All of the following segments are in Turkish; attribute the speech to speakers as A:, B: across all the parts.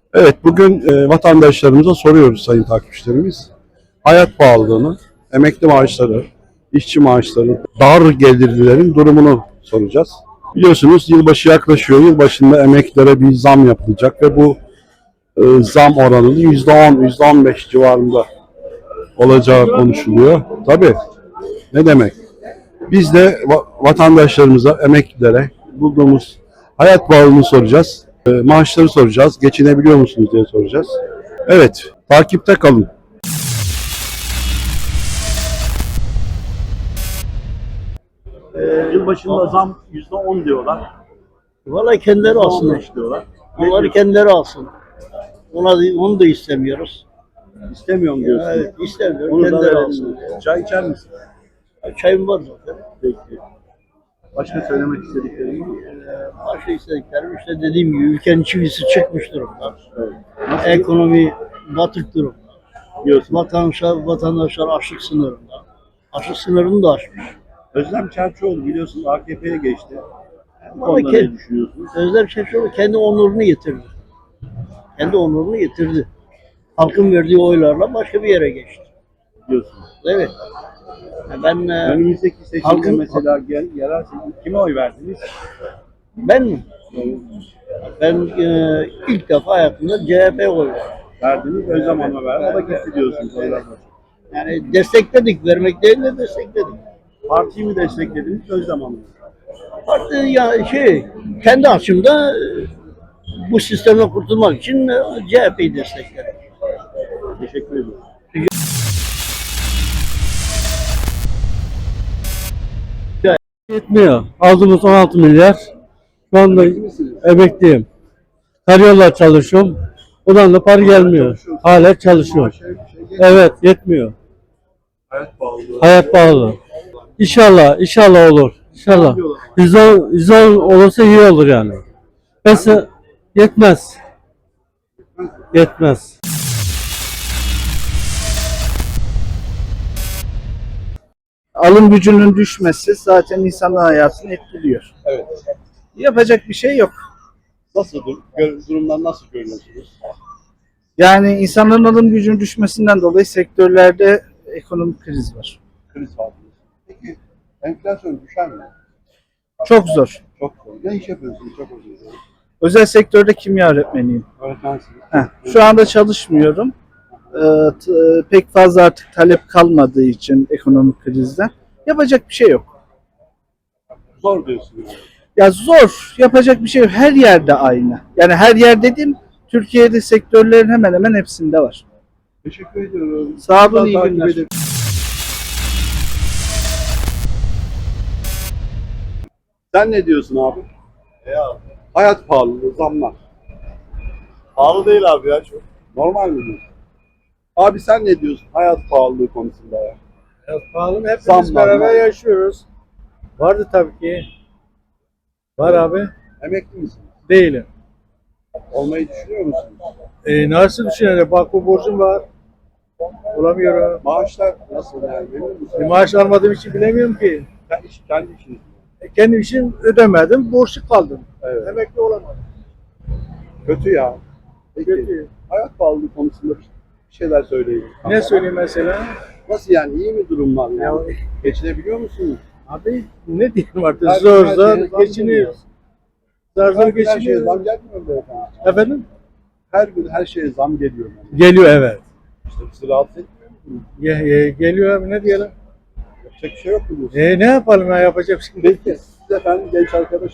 A: Evet, bugün vatandaşlarımıza soruyoruz sayın takipçilerimiz. Hayat pahalılığını, emekli maaşları, işçi maaşları, dar gelirlilerin durumunu soracağız. Biliyorsunuz yılbaşı yaklaşıyor. Yılbaşında emeklilere bir zam yapılacak ve bu zam oranının %10, %15 civarında olacağı konuşuluyor. Tabii, ne demek? Biz de vatandaşlarımıza, emeklilere bulduğumuz hayat pahalılığını soracağız. Maaşları soracağız. Geçinebiliyor musunuz diye soracağız. Evet, takipte kalın.
B: Yılbaşında zam %10 diyorlar.
C: Vallahi kendileri alsın.
B: %15 diyorlar.
C: Onları kendileri alsın. Onu da istemiyoruz.
B: İstemiyorum diyorsun.
C: Evet, istemiyorum.
B: Onu da
C: Kendileri
B: verelim.
C: alsın.
B: Çay içer misin?
C: Çayım var zaten.
B: Peki. Başka söylemek istediklerim var mı?
C: Başka istediklerim işte dediğim gibi ülkenin çivisi çıkmış durumda.
B: Evet.
C: Ekonomi batık durumda.
B: Diyorsun.
C: Vatandaşlar açlık sınırında. Açlık sınırını da aşmış.
B: Özlem Çerçioğlu biliyorsunuz AKP'ye geçti. Bu
C: Vallahi
B: konuda ne düşünüyorsunuz?
C: Özlem Çerçioğlu kendi onurunu getirdi. Kendi onurunu getirdi. Halkın verdiği oylarla başka bir yere geçti.
B: Diyorsunuz.
C: Evet. Ben
B: Önümüzdeki seçimde
C: halkın-
B: mesela yerel seçim kime oy verdiniz?
C: Ben mi? Ben ilk defa hayatımda CHP'ye oy verdim.
B: Verdiniz, Özlem Hanım'a verdi. O da gitti diyorsunuz. Oylar başında.
C: Yani destekledik, vermek değil de destekledik.
B: Partiyi mi desteklediniz, Özlem Hanım'ı?
C: Parti ya kendi açımda bu sistemden kurtulmak için CHP'yi destekledim.
B: Teşekkür ederim.
D: Yetmiyor. Aldığımız 16 milyar. Şu anda emekliyim. Karayollar çalışıyorum. Ondan da para gelmiyor. Hala çalışıyorum. Evet, yetmiyor.
B: Hayat pahalılığı.
D: Hayat pahalı. İnşallah olur. İnşallah. 110 olursa iyi olur yani. Mesela yetmez. Yetmez.
E: Alım gücünün düşmesi zaten insanın hayatını etkiliyor.
B: Evet.
E: Yapacak bir şey yok.
B: Nasıl durumdan nasıl görüyorsunuz?
E: Yani insanların alım gücünün düşmesinden dolayı sektörlerde ekonomik kriz var.
B: Kriz var. Peki enflasyon düşer mi?
E: Çok zor.
B: Çok zor. Ne iş yapıyorsunuz? Çok özür dilerim.
E: Özel sektörde kimya öğretmeniyim.
B: Öğretmensiniz.
E: Şu anda çalışmıyorum. Pek fazla artık talep kalmadığı için ekonomik krizden. Yapacak bir şey yok.
B: Zor diyorsunuz.
E: Ya zor. Yapacak bir şey yok. Her yerde aynı. Yani her yer dediğim Türkiye'de sektörlerin hemen hemen hepsinde var.
B: Teşekkür ediyorum.
E: Sağ olun,
B: Daha
E: iyi
B: takip
E: günler.
B: ederim. Sen ne diyorsun abi? Hayat pahalılığı, zamlar.
F: Pahalı değil abi ya çok.
B: Normal mi diyorsun? Abi sen ne diyorsun hayat pahalılığı konusunda ya?
D: Hayat pahalı. Hepimiz
B: Zamlar
D: beraber
B: var.
D: yaşıyoruz. Vardı tabii ki. Var abi.
B: Emekli misin?
D: Değilim.
B: Olmayı düşünüyor musun?
D: Nasıl düşünelim? Bak bu borcum var. Bulamıyorum.
B: Maaşlar nasıl yani? Memnun musun?
D: Maaş almadığım için bilemiyorum ki.
B: Kendi işiniz.
D: Kendim için ödemedim. Borçlu kaldım.
B: Evet.
D: Emekli olamadım.
B: Kötü ya. Peki
D: Kötü.
B: hayat pahalılığı konusunda bir şeyler söyleyin.
D: Ne söyleyeyim mesela?
B: Nasıl yani iyi mi durumlar yani? Geçinebiliyor musunuz?
D: Abi ne diyeyim artık
B: Her
D: zor
B: gün her
D: zor
B: şeye zam
D: geçiniyoruz. Zor zor
B: Her gün her şeye
D: geçiniyoruz.
B: zam gelmiyor mu beyefendi?
D: Efendim?
B: Her gün her şeye zam geliyor. Yani.
D: Geliyor evet.
B: İşte bizi rahatsız etmiyor mu?
D: Geliyor abi ne diyelim?
B: Yapacak bir şey yok mu diyorsun?
D: Ne yapalım ya yapacak bir şey değil.
B: Peki siz efendim genç arkadaş.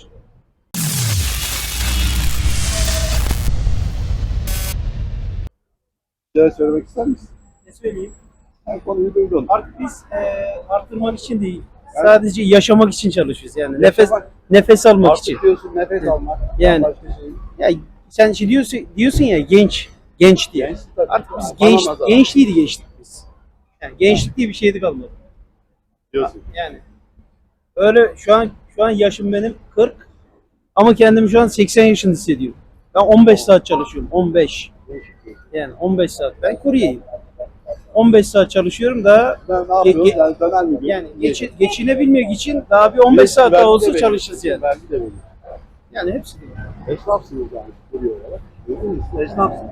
B: Bir şeyler söylemek ister misin?
G: Ne söyleyeyim?
B: Her konuyu duydun.
G: Artık biz arttırmak için değil, sadece yaşamak için çalışıyoruz yani. Nefes almak
B: Artık
G: için.
B: diyorsun nefes almak.
G: Yani.
B: Başka şey.
G: Ya sen şey diyorsun ya genç diye.
B: Genç tabii.
G: Artık biz
B: Anlamaz abi.
G: gençliği geçtik biz. Yani gençlik diye bir şeydi kalmadı.
B: Diyorsun.
G: Yani öyle şu an yaşım benim 40 ama kendimi şu an 80 yaşında hissediyorum. Ben 15 saat çalışıyorum. 15. Yani 15 saat. Ben kuryeyim. 15 saat çalışıyorum da
B: Ben ne yapıyoruz? Yani döner mi?
G: yani geçinebilmek için daha bir 15 saat daha olsa çalışırız yani.
B: Vergi de verir.
G: Yani hepsi de.
B: Esnafsınız yani. Kuruyor olarak. Siz esnafsınız.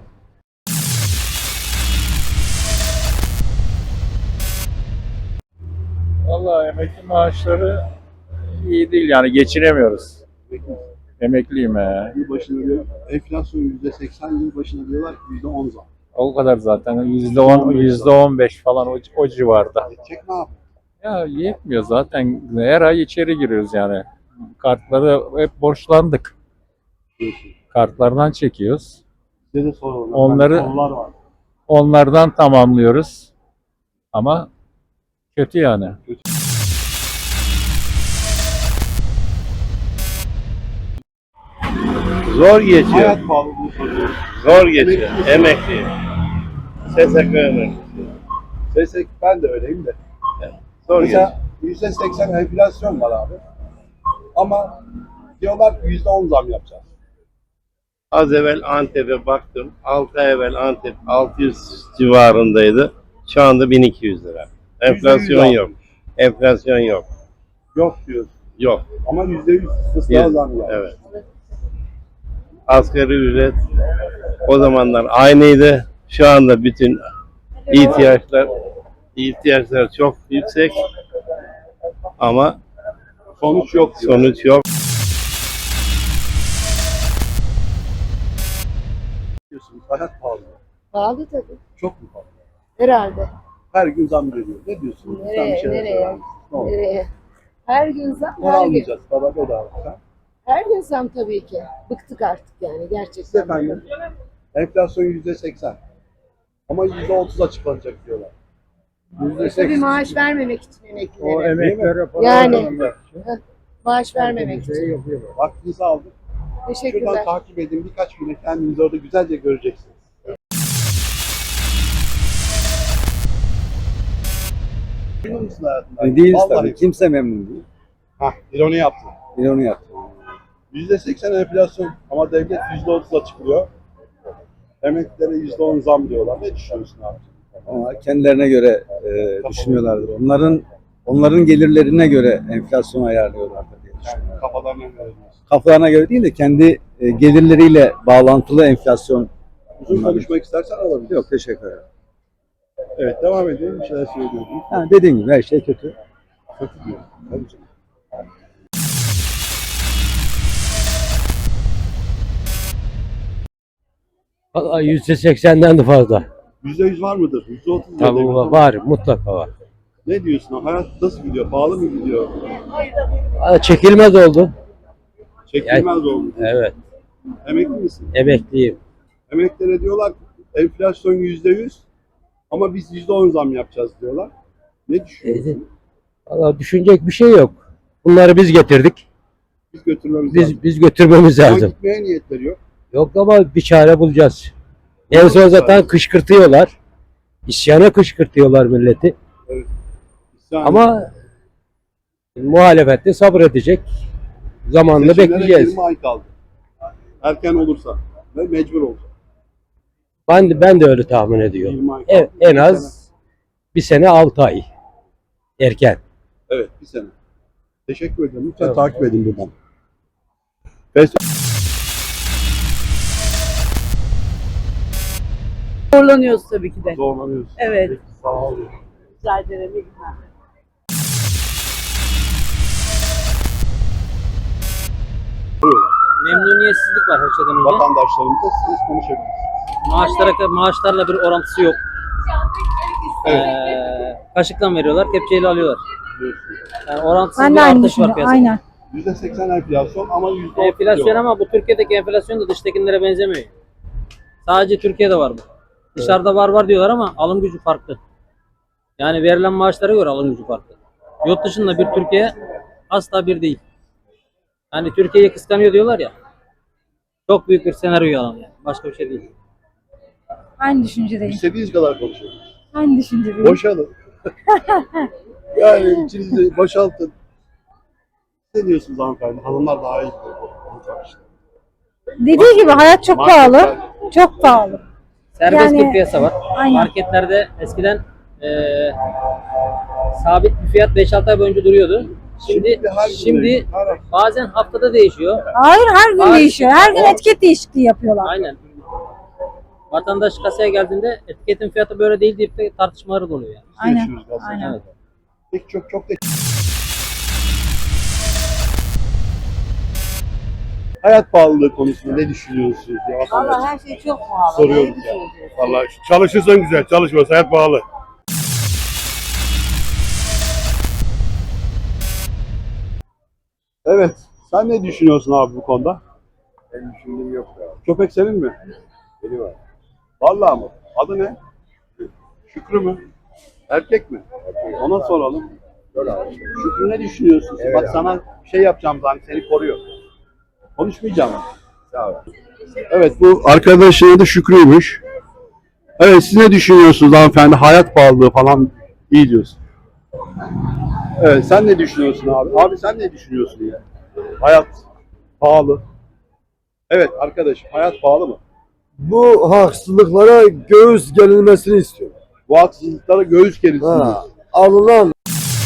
H: Vallahi emekli maaşları iyi değil yani geçinemiyoruz. Emekliyim he.
B: Yıl başına diyor, enflasyon %80, yıl başına diyorlar ki %10 zam.
H: O kadar zaten %10, %15 falan o civarda.
B: Edecek ne yapıyor?
H: Ya yetmiyor zaten her ay içeri giriyoruz yani. Kartları hep borçlandık. Kartlardan çekiyoruz.
B: Size de soralım.
H: Onları-
B: Sorular var.
H: Onlardan tamamlıyoruz. Ama kötü yani.
F: Zor geçiyor.
B: Hayat pahalılığı soruyoruz.
F: Zor geçiyor. Emekli. SSK emekli.
B: Desek ben de öyleyim de.
F: Zor geçiyor.
B: Mesela %80 enflasyon var abi. Ama diyorlar ki %10 zam yapacağız.
F: Az evvel Antep'e baktım. 6 ay evvel Antep 600 civarındaydı. Şu anda 1200 lira. Enflasyon
B: %100
F: yok. Enflasyon yok.
B: Yok diyoruz.
F: Yok.
B: Ama %100 fıstığa zam var.
F: Evet. Asgari ücret o zamanlar aynıydı. Şu anda bütün ihtiyaçlar çok yüksek ama
B: Sonuç yok diyor.
F: sonuç yok.
B: Diyorsunuz. Hayat pahalı.
I: Pahalı tabii.
B: Çok mu pahalı?
I: Herhalde.
B: Her gün zam geliyor. Ne diyorsunuz? Sen bir
I: Nereye?
B: şeyler
I: Nereye?
B: söyler misin? Ne olur?
I: Nereye? Her gün zam,
B: Ne
I: her gün.
B: almayacağız? Baba bedava. Ha?
I: Her gün zam tabii ki. Bıktık artık yani
B: Siz
I: gerçekten.
B: efendim enflasyon %80. Ama %30 açıklanacak diyorlar.
I: Tabii maaş vermemek için emeklilere.
B: emeklere
I: Yani maaş vermemek için.
B: Vaktinizi aldık. Şuradan
I: Teşekkürler.
B: takip edin. Birkaç güne kendinizi orada güzelce göreceksiniz. Memnun musun hayatından?
J: Değiliz
B: Vallahi.
J: tabii. Kimse memnun değil.
B: Hah, ironi yaptın.
J: Bir onu yaptı.
B: %80 enflasyon ama devlet %30 açıklıyor. Emeklilere %10 zam diyorlar. Ne düşünüyorsun abi?
J: Ama kendilerine göre düşünüyorlardır. Onların gelirlerine göre enflasyonu ayarlıyorlardır diye düşünüyorum.
B: Kafalarına göre diyorsun.
J: Kafalarına göre değil de kendi gelirleriyle bağlantılı enflasyon.
B: Uzun konuşmak istersen alabiliriz.
J: Yok, teşekkür ederim.
B: Evet, devam edelim. Bir şeyler söylüyordum.
J: Ha, dediğim gibi her şey kötü.
B: Kötü diyor. Tabii canım.
D: Vallahi %80'den de fazla.
B: %100 var mıdır? %30
D: Tabii
B: diyor.
D: var, mutlaka var.
B: Ne diyorsun? Hayat nasıl gidiyor? Pahalı mı gidiyor?
D: Çekilmez oldu.
B: Çekilmez oldu.
D: Evet,
B: Emekli misin?
D: emekliyim.
B: Emeklilere diyorlar ki enflasyon %100 ama biz %10 zam yapacağız diyorlar. Ne düşünüyorsun?
D: Vallahi düşünecek bir şey yok. Bunları biz getirdik.
B: Biz götürmemiz lazım.
D: Biz götürmemiz
B: Ama
D: lazım.
B: gitmeye niyetleri yok.
D: Yok ama bir çare bulacağız. En son zaten kışkırtıyorlar. İsyana kışkırtıyorlar milleti.
B: İsyan
D: Ama muhalefette sabredecek. Zamanını
B: seçimlere
D: bekleyeceğiz.
B: 20 ay kaldı. Erken olursa ve mecbur olacak.
D: Ben de öyle tahmin ediyorum.
B: 20 ay kaldı.
D: En
B: Bir
D: az bir sene 6 ay. Erken.
B: Evet, bir sene. Teşekkür ederim. Lütfen
D: Tamam.
B: takip edin buradan.
K: Zorlanıyoruz tabii ki de.
B: Zorlanıyoruz.
K: Evet.
B: Peki, sağ olun.
K: Rica ederim. İyi günler.
G: Memnuniyetsizlik var her şeyden önce.
B: Vatandaşlarımızla siz konuşabilirsiniz.
G: Maaşlarla bir orantısı yok. Kaşıkla veriyorlar, kepçeyle alıyorlar. Yani orantısız bir artış var piyasada.
K: Aynen.
B: %80 enflasyon ama %30
G: Enflasyon
B: diyorlar.
G: ama bu Türkiye'deki enflasyon da dıştakilere benzemiyor. Sadece Türkiye'de var bu. Dışarıda var diyorlar ama alım gücü farklı. Yani verilen maaşlara göre alım gücü farklı. Yurt dışında bir Türkiye asla bir değil. Yani Türkiye'yi kıskanıyor diyorlar ya. Çok büyük bir senaryo yalan yani. Başka bir şey değil.
K: Aynı düşüncedeyim.
B: İstediğiniz kadar konuşun.
K: Aynı düşüncedeyim.
B: Boşalın. Yani içinizi boşaltın. Ne diyorsunuz hanımefendi? Hanımlar daha iyi.
K: Dediği gibi hayat çok pahalı. Çok pahalı.
G: Serbest
K: Yani-
G: bir piyasa var.
K: Aynen.
G: Marketlerde eskiden sabit bir fiyat 5-6 ay boyunca duruyordu. Şimdi bazen haftada değişiyor.
K: Hayır, her gün
G: Hayır.
K: değişiyor. Her gün etiket değişikliği yapıyorlar.
G: Aynen.
L: Vatandaş kasaya geldiğinde etiketin fiyatı böyle değil deyip de tartışmaları da oluyor yani.
K: Aynen.
B: Yaşıyoruz aslında.
K: Aynen.
L: Evet.
B: Peki çok hayat pahalılığı konusunda ne düşünüyorsunuz? Ya, vatandaş
I: her şey çok pahalı.
B: soruyoruz ya.
M: Vallahi çalışırsan güzel, çalışmıyorsan hayat pahalı.
B: Evet. Sen ne düşünüyorsun abi bu konuda?
M: Benim düşündüğüm yok ya.
B: Köpek senin mi?
M: Beni var.
B: Vallahi mı? Adı ne? Şükrü mü? Erkek mi? Ona soralım. Şükrü ne düşünüyorsun?
M: Evet
B: Bak
M: abi.
B: sana bir şey yapacağım zaten seni koruyor. Konuşmayacağım.
M: Sağ ol.
B: Evet bu arkadaşın adı Şükrü'ymüş. Evet siz ne düşünüyorsunuz hanımefendi? Hayat pahalılığı falan iyi diyorsun. Evet sen ne düşünüyorsun abi? Abi sen ne düşünüyorsun ya? Hayat pahalı. Evet arkadaşım hayat pahalı mı?
J: Bu haksızlıklara göğüs gelinmesini istiyorum.
B: Bu haksızlıklara göğüs gerilsin.
J: Ha, alınan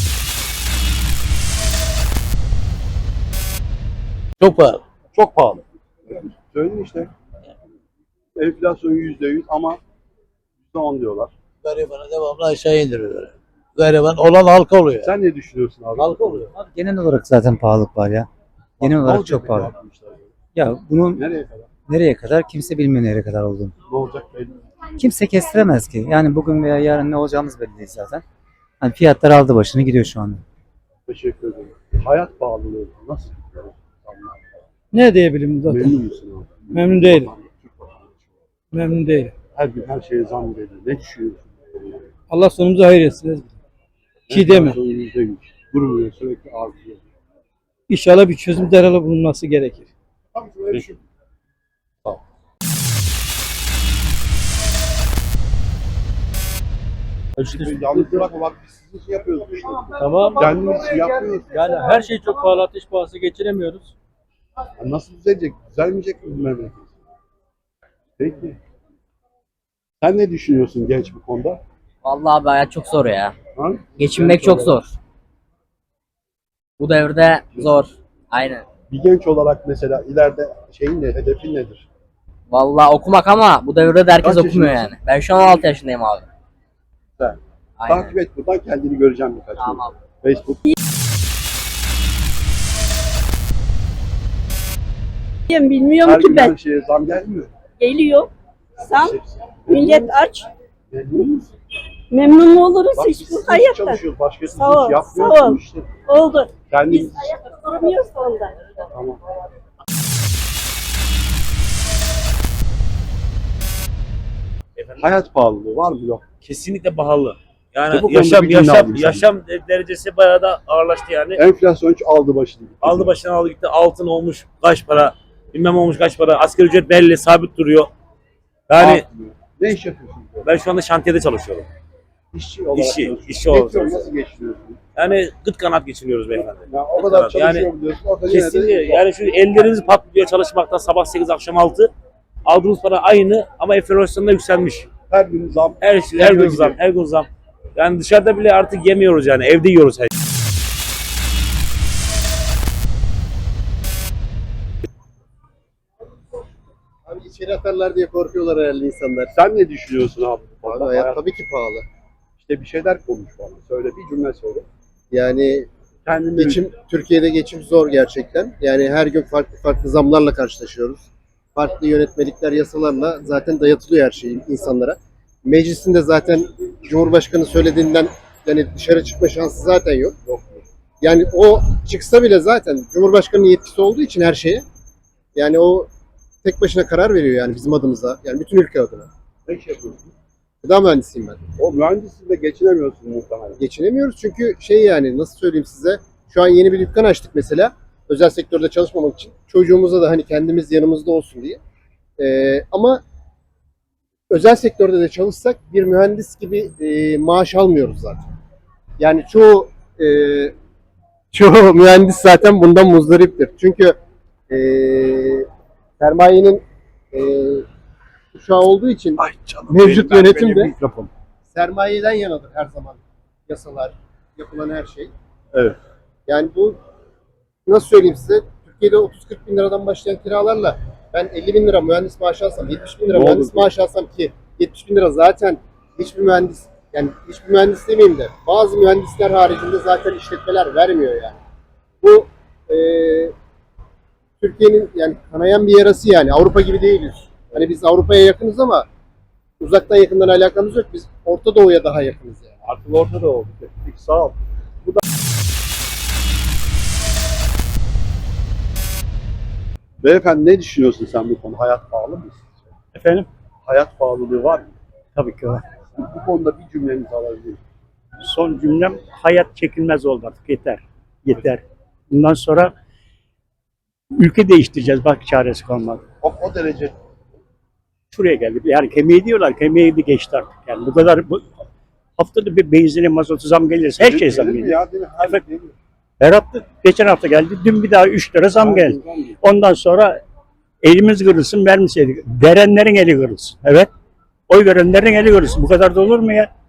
C: Çok pahalı.
B: Çok pahalı. Söyledin işte. Enflasyon %100 ama %10 diyorlar.
C: Garibanı devamlı aşağı indiriyorlar. Gariban olan halka oluyor.
B: Sen ne düşünüyorsun abi?
C: Halka oluyor.
N: Abi genel olarak zaten pahalılık var ya. Genel
B: Ne
N: olarak
B: olacak
N: çok
B: peki
N: pahalı.
B: yapmışlar böyle?
N: Ya bunun
B: Nereye kadar?
N: nereye kadar kimse bilmiyor nereye kadar olduğunu.
B: Ne olacak belli.
N: Kimse kestiremez ki. Yani bugün veya yarın ne olacağımız belli değil zaten. Hani fiyatlar aldı başını gidiyor şu anda.
B: Teşekkür ederim. Hayat pahalılığı nasıl?
D: Ne diyebilirim zaten?
B: Memnun musun abi?
D: Memnun değilim. Memnun değilim.
B: Her gün her şeye zam geliyor. Ne düşünüyorsun?
D: Allah sonumuzu hayır etsin. Ki deme.
B: Enflasyon %100. Durmuyor sürekli artıyor.
D: İnşallah bir çözüm derhal bulunması gerekir.
B: Tamam şöyle düşün. Tamam. Yalnız bırakma bak biz sizin için yapıyoruz. işte.
D: Tamam.
B: Kendimiz için yapmıyoruz.
D: Yani her şey çok pahalı, ateş pahası geçiremiyoruz.
B: Ya nasıl düzelecek? Düzelmeyecek mi bu memleket? Peki. Sen ne düşünüyorsun genç bu konuda?
L: Vallahi abi hayat çok zor ya.
B: Ha?
L: Geçinmek çok zor. Bu devirde zor. Aynen.
B: Bir genç olarak mesela ileride şeyin ne, hedefin nedir?
L: Vallahi okumak ama bu devirde de herkes
B: Kaç
L: okumuyor
B: yaşındasın?
L: yani. Ben şu an 16 yaşındayım abi.
B: Sen.
L: Aynen.
B: Takip et buradan kendini göreceğim birkaç gün.
L: Tamam.
B: Facebook.
K: Bilmiyorum
B: Her gün her şeye zam gelmiyor.
K: Geliyor. Sam
B: Millet
K: aç.
B: Memnun musun?
K: Memnun oluruz
B: Bak biz sizin için çalışıyoruz. Başkası için hiç yapmıyoruz
K: sağ ol.
B: bu işte.
K: Oldu.
B: Kendimiz
K: ayakta duramıyoruz onda.
B: Tamam. Hayat pahalılığı var mı yok?
M: Kesinlikle pahalı. Yani
B: İşte bu konuda bir cümle alayım
M: yaşam derecesi bayağı da ağırlaştı yani.
B: Enflasyon hiç aldı başını.
M: Aldı başına aldı gitti. Altın olmuş kaç para, bilmem olmuş kaç para. Asgari ücret belli, sabit duruyor. Yani
B: Artmıyor. Ne iş yapıyorsun?
M: ben şu anda şantiyede çalışıyorum.
B: İşçi olarak
M: İşçi
B: çalışıyorsun.
M: işçi olarak
B: Geçiyor,
M: çalışıyorum.
B: nasıl geçiniyorsun?
M: Yani gıt kanaat geçiniyoruz beyefendi.
B: Ya o kadar
M: Yani
B: çalışıyorum diyorsun. Orada yine de
M: Kesinlikle. Yani şu elleriniz patlıyor çalışmaktan sabah 8 akşam 6. Aldığınız para aynı ama enflasyonda yükselmiş.
B: her gün zam.
M: Her şey, her
B: Her
M: gün
B: gün
M: zam,
B: gidiyor.
M: her gün zam. Yani dışarıda bile artık yemiyoruz yani. Evde yiyoruz her şeyi.
E: Abi içeri atarlar diye korkuyorlar herhalde insanlar.
B: Sen ne düşünüyorsun abi?
E: Abi hayat tabii ki pahalı.
B: İşte bir şeyler konuş bana. Söyle bir cümle söyle.
E: Yani
B: Kendini
E: Türkiye'de geçim zor gerçekten. Yani her gün farklı farklı zamlarla karşılaşıyoruz. Farklı yönetmelikler, yasalarla zaten dayatılıyor her şey insanlara. Meclisinde zaten Cumhurbaşkanı söylediğinden yani dışarı çıkma şansı zaten yok. Yani o çıksa bile zaten Cumhurbaşkanı'nın yetkisi olduğu için her şeye yani o tek başına karar veriyor yani bizim adımıza. Yani bütün ülke adına.
B: ne iş yapıyorsun?
E: Gıda mühendisiyim ben.
B: O mühendisliğinde geçinemiyorsun muhtemelen.
E: Geçinemiyoruz çünkü şey yani nasıl söyleyeyim size şu an yeni bir dükkan açtık mesela özel sektörde çalışmamak için çocuğumuza da hani kendimiz yanımızda olsun diye ama özel sektörde de çalışsak bir mühendis gibi maaş almıyoruz zaten yani çoğu mühendis zaten bundan muzdariptir çünkü sermayenin uşağı olduğu için mevcut yönetimde sermayeden yanadır her zaman yasalar, yapılan her şey.
B: Evet.
E: Yani bu nasıl söyleyeyim size? Türkiye'de 30-40 bin liradan başlayan kiralarla Ben 50 bin lira mühendis maaşı alsam, 70 bin lira
A: Ne
E: mühendis
A: olur?
E: maaşı alsam ki 70 bin lira zaten hiçbir mühendis, yani hiçbir mühendis demeyeyim de bazı mühendisler haricinde zaten işletmeler vermiyor yani. Bu Türkiye'nin yani kanayan bir yarası yani. Avrupa gibi değiliz. Hani biz Avrupa'ya yakınız ama uzaktan yakından alakamız yok. Biz Orta Doğu'ya daha yakınız yani.
A: Artık orada da oldu. Peki, sağ ol. Beyefendi ne düşünüyorsun sen bu konu? Hayat pahalı mı?
O: Efendim?
A: Hayat pahalılığı var mı?
O: Tabii ki var.
A: Bu konuda bir cümlenizi alabilir miyim?
O: Son cümlem hayat çekilmez oldu artık. Yeter. Yeter. Bundan sonra ülke değiştireceğiz. Bak çaresi kalmadı.
A: O derece
O: Şuraya geldi. Yani kemiği diyorlar. Kemiği de geçti artık. Yani bu kadar haftada bir benzine, mazotu zam gelirse her şey zam
A: gelir mi
O: geliyor.
A: ya, değil mi? Her
O: Efendim?
A: değil mi?
O: Her hafta, geçen hafta geldi. Dün bir daha 3 lira zam geldi. Ondan sonra elimiz kırılsın vermeseydik. Verenlerin eli kırılsın. Evet. Oy verenlerin eli kırılsın. Bu kadar da olur mu ya?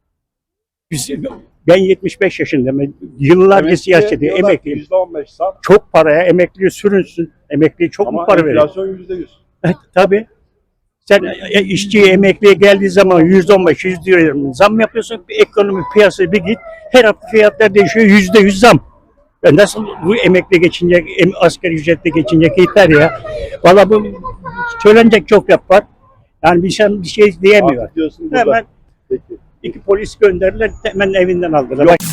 O: Ben 75 yaşındayım. Yıllarca
A: Emekliye
O: siyaset
A: diyorlar
O: emekliyim.
A: %15 zam
O: Çok paraya emekliye sürünsün. Emekliye çok mu
A: ama
O: para veriyor?
A: enflasyon %100.
O: Tabii. Sen işçiye, emekliye geldiği zaman %15, %20 zam yapıyorsun. Bir ekonomi piyasaya bir git. Her hafta fiyatlar değişiyor. %100 zam. Nasıl bu emekli geçinecek, asgari ücretle geçinecek yeter ya. Valla bu söylenecek çok laf var. Yani bir şey diyemiyor.
A: Artık diyorsun burada.
O: Hemen
A: Peki.
O: 2 polis gönderdiler, hemen evinden aldılar. Bak,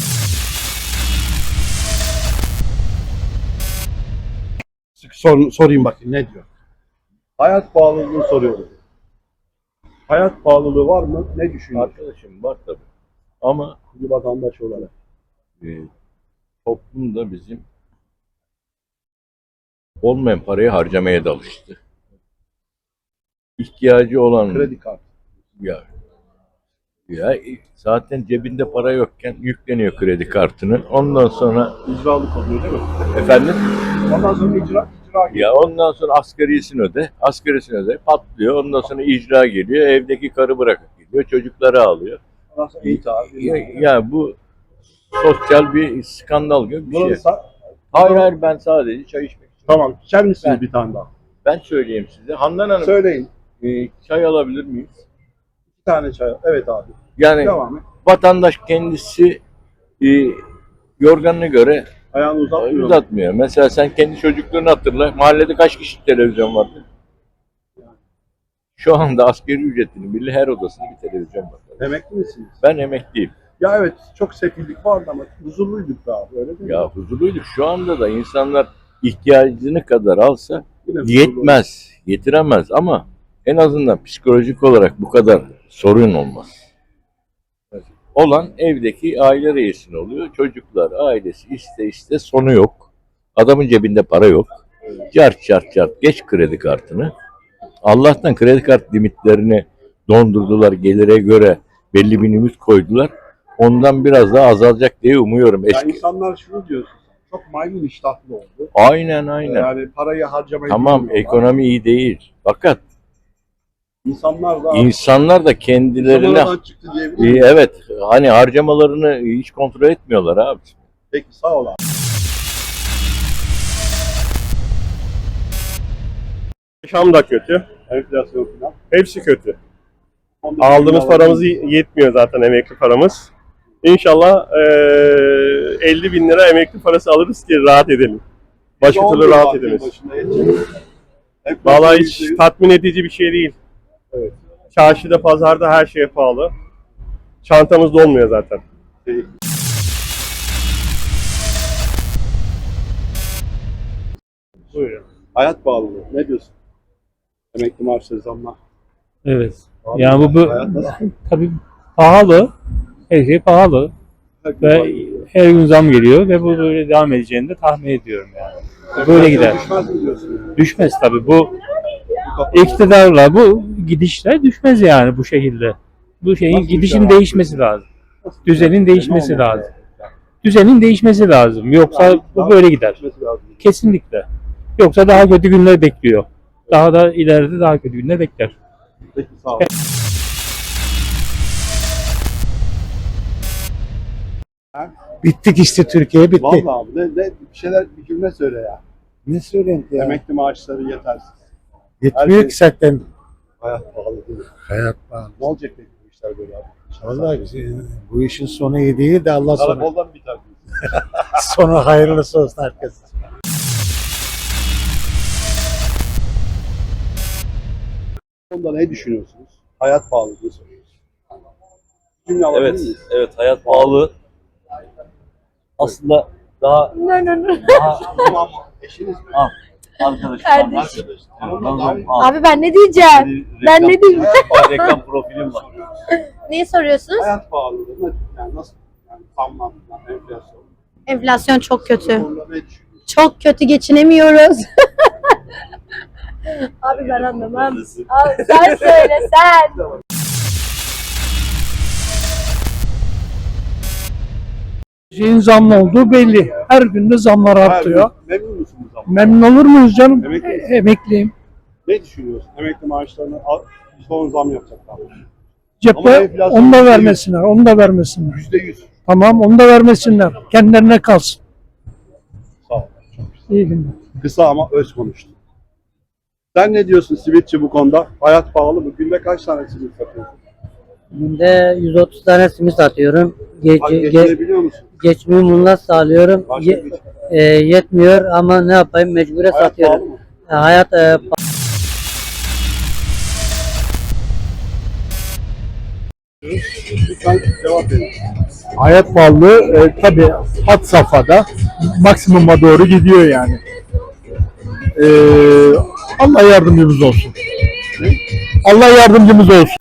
A: Sorayım bakayım ne diyor? Hayat pahalılığını soruyorum. Hayat pahalılığı var mı? Ne düşünüyorsun?
P: Arkadaşım var tabii. Ama
A: Bir vatandaş olarak.
P: toplum da bizim olmayan parayı harcamaya da alıştı. İhtiyacı olan
A: Kredi kartı.
P: ya zaten cebinde para yokken yükleniyor kredi kartını. Ondan sonra
A: İcralık oluyor değil mi?
P: efendim
A: Ondan sonra icra
P: ya ondan sonra asgarisini öde, patlıyor. Ondan sonra icra geliyor. Evdeki karı bırakıp gidiyor. Çocukları alıyor.
A: Ondan sonra
P: Ya bu sosyal bir skandal gibi bir şey. Hayır ben sadece çay içmek istiyorum.
A: Tamam. İçer misiniz
P: Ben-
A: bir tane daha?
P: Ben söyleyeyim size. Handan Hanım
A: Söyleyin.
P: çay alabilir miyiz?
A: Bir tane çay. Evet abi.
P: Yani
A: Devam et.
P: vatandaş kendisi yorganına göre
A: Ayağını uzatmıyor.
P: uzatmıyor. Mesela sen kendi çocukluğunu hatırla. Mahallede kaç kişi televizyon vardı? Şu anda asgari ücretinin bile her odasında bir televizyon var.
A: Emekli misiniz?
P: Ben emekliyim.
A: Ya evet çok sefillik vardı ama huzurluyduk da abi öyle değil mi?
P: Ya huzurluyduk. Şu anda da insanlar ihtiyacını kadar alsa
A: Yine huzurlu.
P: yetmez, yetiremez ama en azından psikolojik olarak bu kadar sorun olmaz. Olan evdeki aile reisinin oluyor. Çocuklar, ailesi iste sonu yok. Adamın cebinde para yok. Cart geç kredi kartını. Allah'tan kredi kart limitlerini dondurdular. Gelire göre belli bir limit koydular. Ondan biraz daha azalacak diye umuyorum.
A: Ya insanlar şunu diyorsun. Çok maymun iştahlı oldu.
P: Aynen.
A: Yani parayı harcamayı
P: Tamam
A: bilmiyorlar.
P: ekonomi iyi değil. Fakat
A: İnsanlar da
P: kendilerine
A: Zamanından çıktı diyebilir miyim?
P: evet hani harcamalarını hiç kontrol etmiyorlar abi.
A: Peki sağ ol abi.
Q: Yaşam da kötü.
A: Enflasyon falan.
Q: Hepsi kötü. Aldığımız paramız yetmiyor zaten emekli paramız. İnşallah 50 bin lira emekli parası alırız ki rahat edelim. Başka türlü rahat edemeyiz. Vallahi hiç tatmin edici bir şey değil.
A: Evet.
Q: Çarşıda, pazarda her şeye pahalı. Çantamız dolmuyor zaten.
A: Buyurun. Hayat pahalılığı. Ne diyorsun? Emekli maaşları zamlar.
R: Evet.
A: Pahalı
R: Yani
A: mı?
R: bu
A: Hayat nasıl?
R: tabii pahalı. Her şey pahalı. Ve her gün zam geliyor ve bu böyle devam edeceğini de tahmin ediyorum yani. Böyle gider.
A: Düşmez mi diyorsun?
R: Düşmez tabii. Bu iktidarla bu gidişle düşmez yani bu şekilde. Bu şeyin gidişin değişmesi lazım. Düzenin değişmesi lazım. Düzenin değişmesi lazım. Yoksa bu böyle gider. Kesinlikle. Yoksa daha kötü günler bekliyor. Daha da ileride daha kötü günler bekler.
A: Peki sağ ol.
S: Bittik işte Türkiye bitti.
A: Vallahi abi bir şeyler bir cümle söyle ya.
S: Ne söyleyeyim ya?
A: Emekli maaşları yetersiz.
S: Yetmiyor
A: şey-
S: ki zaten.
A: Hayat pahalı değil mi?
S: Hayat pahalı.
A: Ne olacak peki bu işler böyle abi?
S: Vallahi bu işin sonu iyi değil de Allah sonu.
A: Karakoldan biter diyorsun.
S: Sonu hayırlısı olsun herkes.
A: Bu konuda ne düşünüyorsunuz? Hayat pahalı diye soruyoruz. Cümle alabilir
T: Evet,
A: miyiz?
T: evet hayat pahalı. Aslında daha
A: Tamam mı? Eşiniz mi?
T: arkadaşım.
I: Kardeşim.
T: Arkadaşım.
I: Abi ben ne diyeceğim? Ben ne diyeyim?
T: Reklam profilim var.
I: Neyi soruyorsunuz?
A: Hayat pahalılığı yani nasıl? Yani zamlar, enflasyon.
I: Enflasyon çok kötü.
A: Bu konuda ne düşünüyorsunuz?
I: Çok kötü geçinemiyoruz. Abi ben anlamam. Abi sen söyle sen.
O: Şeyin zamlı olduğu belli. Her gün de zamlar artıyor.
A: Memnun musunuz ama?
O: Memnun olur muyuz canım?
A: Emekli misin?
O: Emekliyim.
A: Ne düşünüyorsun? Emekli maaşlarını son zam yapacaklar. Ama
O: Cepte
A: enflasyon
O: onu da
A: %100.
O: vermesinler. Onu da vermesinler.
A: %100.
O: Tamam onu da vermesinler. Kendilerine kalsın.
A: Sağ ol. Çok güzel.
O: İyi günler.
A: Kısa ama öz konuştun. Sen ne diyorsun simitçi bu konuda? Hayat pahalı mı? Günde kaç tane simit satıyorsun?
L: Günde 130 tane simit satıyorum.
A: Geçinebiliyor musun?
L: Geçimimi bununla sağlıyorum.
A: Başka bir
L: Yetmiyor ama ne yapayım mecbure
A: hayat
L: satıyorum.
A: pahalı mı?
L: Hayat
A: Lütfen cevap verin.
O: Hayat pahalılığı tabii had safhada maksimuma doğru gidiyor yani. Allah yardımcımız olsun. Allah yardımcımız olsun.